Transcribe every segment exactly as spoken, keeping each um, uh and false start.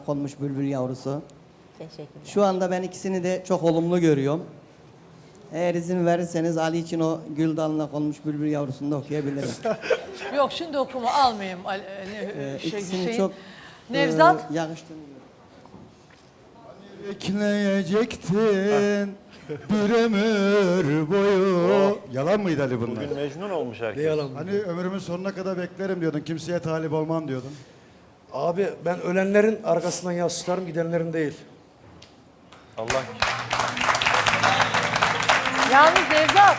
konmuş bülbül yavrusu. Teşekkürler. Şu anda ben ikisini de çok olumlu görüyorum. Eğer izin verirseniz Ali için o gül dalına konmuş bülbül yavrusunu da okuyabilirim. Yok şimdi okuma almayayım. Ali- ne- Ee, şey, ikisini Hüseyin. çok Nevzat. e, yakıştığını görüyorum. Ekleyecektin bir ömür boyu. Yalan mıydı Ali bunlar? Bugün Mecnun olmuş herkes. Yalan. Hani ömrümün sonuna kadar beklerim diyordun. Kimseye talip olmam diyordun. Abi ben ölenlerin arkasından yas tutarım, gidenlerin değil. Allah Yalnız Nevzat.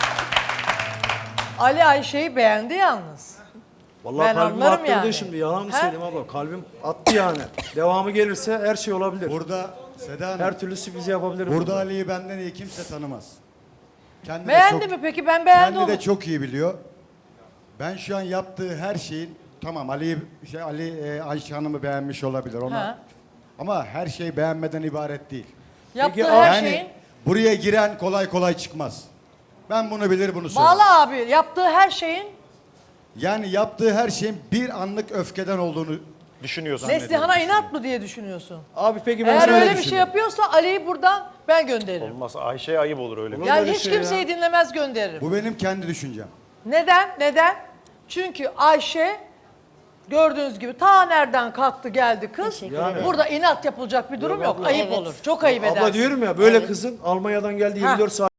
Ali Ayşe'yi beğendi yalnız. Vallahi Ben kalbim anlarım attırdı yani. şimdi. Yalan mı He? söyleyeyim abla? Kalbim attı yani. Devamı gelirse her şey olabilir. Burada Seda Hanım, Her türlü sürprizi yapabilirim. burada Ali'yi benden iyi kimse tanımaz. Kendi de Beğendi çok- mi peki? Ben beğendim Kendi onu. de çok iyi biliyor. Ben şu an yaptığı her şeyin, tamam Ali şey Ali e, Ayşe Hanım'ı beğenmiş olabilir ona. Ha. Ama her şey beğenmeden ibaret değil. Yaptığı Peki, her yani şeyin. buraya giren kolay kolay çıkmaz. Ben bunu bilir bunu söylerim. Bağla abi. Yaptığı her şeyin Yani yaptığı her şeyin bir anlık öfkeden olduğunu düşünüyorsun. Neslihan'a inat mı diye düşünüyorsun? Abi peki ben Eğer sana öyle bir düşünüyorum. şey yapıyorsa Ali'yi buradan ben gönderirim. Olmaz. Ayşe'ye ayıp olur öyle bir. Olur. Yani öyle hiç şey kimseyi dinlemez gönderirim. Bu benim kendi düşüncem. Neden? Neden? Çünkü Ayşe gördüğünüz gibi ta nereden kalktı geldi kız. Teşekkür Yani. Burada inat yapılacak bir durum Yok yok. abla. Ayıp Evet. olur. Çok ayıp edersin. Abla diyorum ya böyle Evet. kızın Almanya'dan geldi Ha. yirmi dört saat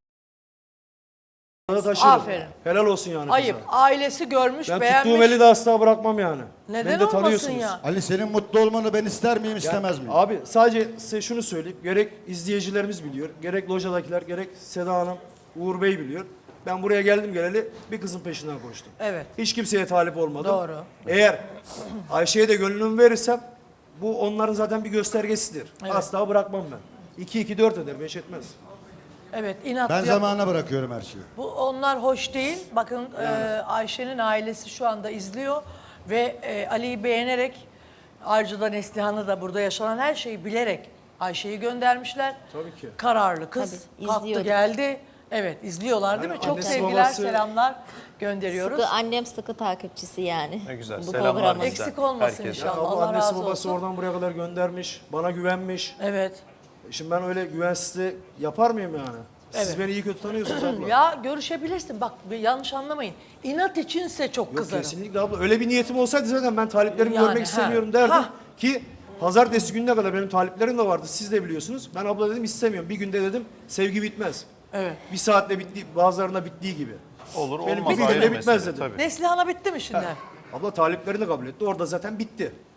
taşırım. Aferin. Helal olsun yani Ayıp. kıza. Ailesi görmüş, Ben beğenmiş. tuttuğum eli de asla bırakmam yani. Neden Beni de olmasın tanıyorsunuz. ya? Ali senin mutlu olmanı ben ister miyim Ya, istemez miyim? Abi sadece size şunu söyleyeyim. Gerek izleyicilerimiz biliyor, gerek lojadakiler, gerek Seda Hanım, Uğur Bey biliyor. Ben buraya geldim geleli bir kızın peşinden koştum. Evet. Hiç kimseye talip olmadım. Doğru. Eğer Ayşe'ye de gönlümü verirsem bu onların zaten bir göstergesidir. Evet. Asla bırakmam ben. iki iki dört eder, beş etmez. Evet, inat Ben yap- zamana bırakıyorum her şeyi. Bu onlar hoş değil. Bakın e, Ayşe'nin ailesi şu anda izliyor ve e, Ali'yi beğenerek ayrıca da Neslihan'ı da burada yaşanan her şeyi bilerek Ayşe'yi göndermişler. Tabii ki. Kararlı kız. Tabii, Kalktı izliyorduk. geldi. Evet, izliyorlar değil mi? Yani Çok annesi, sevgiler, babası- selamlar gönderiyoruz. Sıkı, annem sıkı takipçisi yani. Ne güzel. Bu Selamlar programın. bizden. Eksik olmasın Herkese. inşallah. Abla Allah annesi razı babası olsun. oradan buraya kadar göndermiş, bana güvenmiş. Evet. Şimdi ben öyle güvensizliği yapar mıyım yani? Siz Evet. beni iyi kötü tanıyorsunuz abla. Ya görüşebilirsin. Bak bir yanlış anlamayın. İnat içinse çok Yok kızarım. kesinlikle abla. Öyle bir niyetim olsaydı zaten ben taliplerimi Yani, görmek ha. istemiyorum derdim. Ha. Ki pazartesi gününe kadar benim taliplerim de vardı. Siz de biliyorsunuz. Ben abla dedim istemiyorum. Bir günde dedim sevgi bitmez. Evet. Bir saatte bitti, bazılarına bittiği gibi. Olur Benim olmaz bir ayrı günde bitmez mesele dedim. tabii. Neslihan'a bitti mi şimdi? Abla taliplerini de kabul etti. Orada zaten bitti.